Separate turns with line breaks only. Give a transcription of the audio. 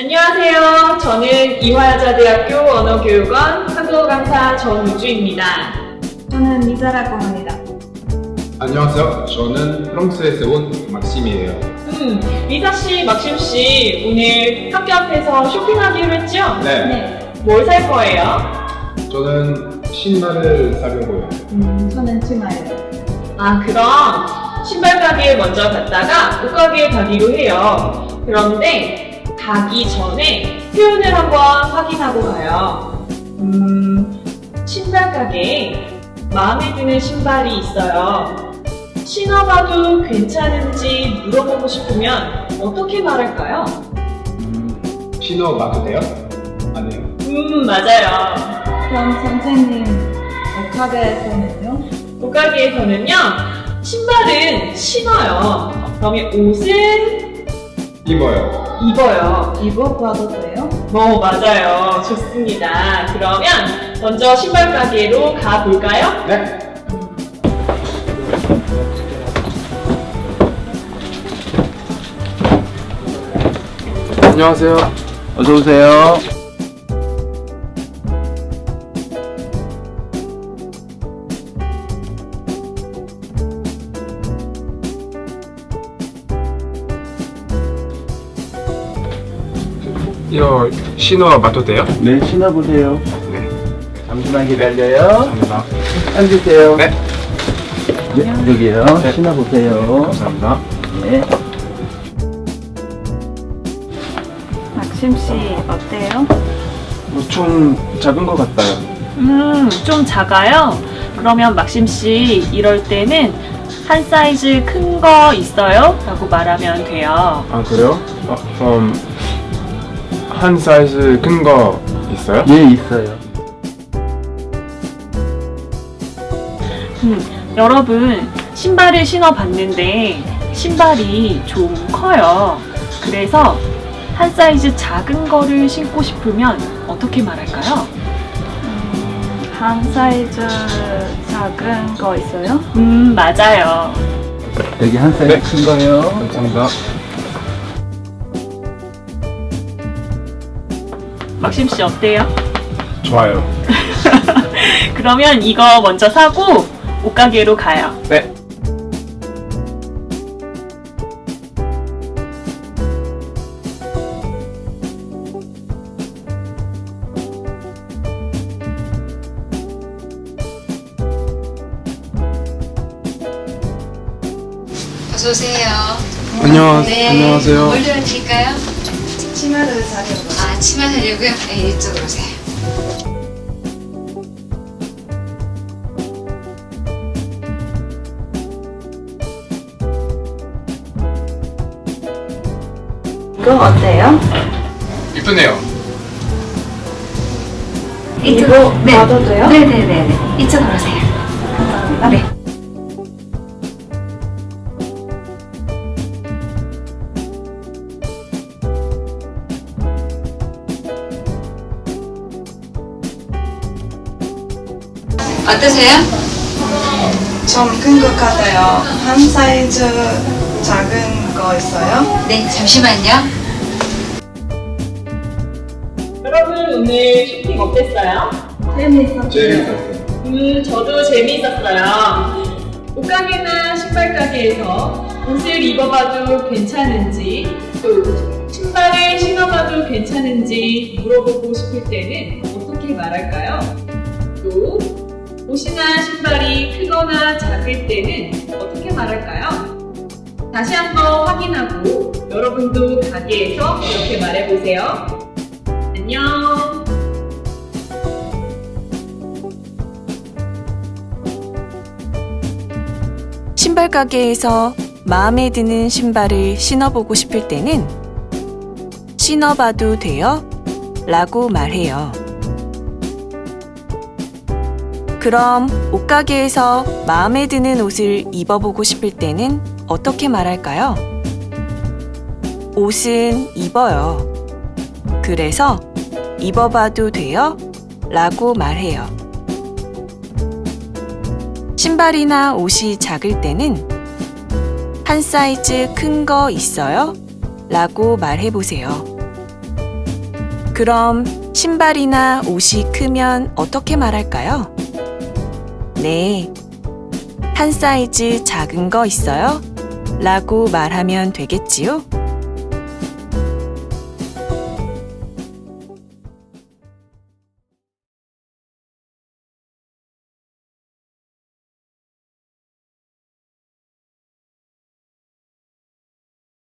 안녕하세요. 저는 이화여자대학교 언어교육원 한국어 강사 전우주입니다.
저는 미자라고 합니다.
안녕하세요. 저는 프랑스에서 온 막심이에요.
리사씨, 막심씨, 오늘 학교 앞에서 쇼핑하기로 했죠?
네.
뭘 살 거예요?
저는 신발을 사려고요.
저는 치마예요.
그럼 신발 가게에 먼저 갔다가 옷 가게에 가기로 해요. 그런데 가기 전에 표현을 한번 확인하고 가요. 신발 가게에 마음에 드는 신발이 있어요. 신어봐도 괜찮은지 물어보고 싶으면 어떻게 말할까요?
신어봐도 돼요? 아니요.
맞아요.
그럼 선생님, 옷가게에서는요?
옷가게에서는요, 신발은 신어요. 그러면 옷은
입어요.
입어요.
입어봐도 돼요?
맞아요. 좋습니다. 그러면 먼저 신발 가게로 가볼까요?
네.
안녕하세요. 어서 오세요.
이거 신어봐도 돼요?
네, 신어보세요.
네.
잠시만 기다려요.
감사합니다.
앉으세요.
네.
네, 여기요.
네.
신어보세요.
감사합니다.
네.
막심 씨 어때요?
좀 작은 것 같아요.
좀 작아요? 그러면 막심씨, 이럴 때는 한 사이즈 큰 거 있어요? 라고 말하면 돼요.
아, 그래요? 그럼 한 사이즈 큰 거 있어요?
예, 있어요.
여러분, 신발을 신어봤는데 신발이 좀 커요. 그래서 한 사이즈 작은 거를 신고 싶으면 어떻게 말할까요?
한 사이즈 작은 거 있어요?
맞아요.
여기 한 사이즈
네.
큰 거요.
감사합니다.
막심씨 어때요?
좋아요.
그러면 이거 먼저 사고 옷가게로 가요.
네.
어서 오세요. 네.
안녕하세요.
뭘 도와드릴까요?
치마를 사려고.
치마 사려고요? 네, 이쪽으로 오세요.
이거 어때요?
이쁘네요.
이거 봐도 돼요?
네네네. 이쪽으로 오세요.
감사합니다.
네. 어떠세요?
좀 큰 것 같아요. 한 사이즈 작은 거 있어요?
네, 잠시만요.
여러분, 오늘 쇼핑 어땠어요?
재밌었어요.
재밌었어요.
저도 재미있었어요. 옷가게나 신발 가게에서 옷을 입어봐도 괜찮은지, 또 신발을 신어봐도 괜찮은지 물어보고 싶을 때는 어떻게 말할까요? 또 옷이나 신발이 크거나 작을 때는 어떻게 말할까요? 다시 한번 확인하고 여러분도 가게에서 이렇게 말해보세요. 안녕!
신발 가게에서 마음에 드는 신발을 신어보고 싶을 때는 신어봐도 돼요? 라고 말해요. 그럼 옷가게에서 마음에 드는 옷을 입어보고 싶을 때는 어떻게 말할까요? 옷은 입어요. 그래서 입어봐도 돼요? 라고 말해요. 신발이나 옷이 작을 때는 한 사이즈 큰 거 있어요? 라고 말해보세요. 그럼 신발이나 옷이 크면 어떻게 말할까요? 네, 한 사이즈 작은 거 있어요? 라고 말하면 되겠지요?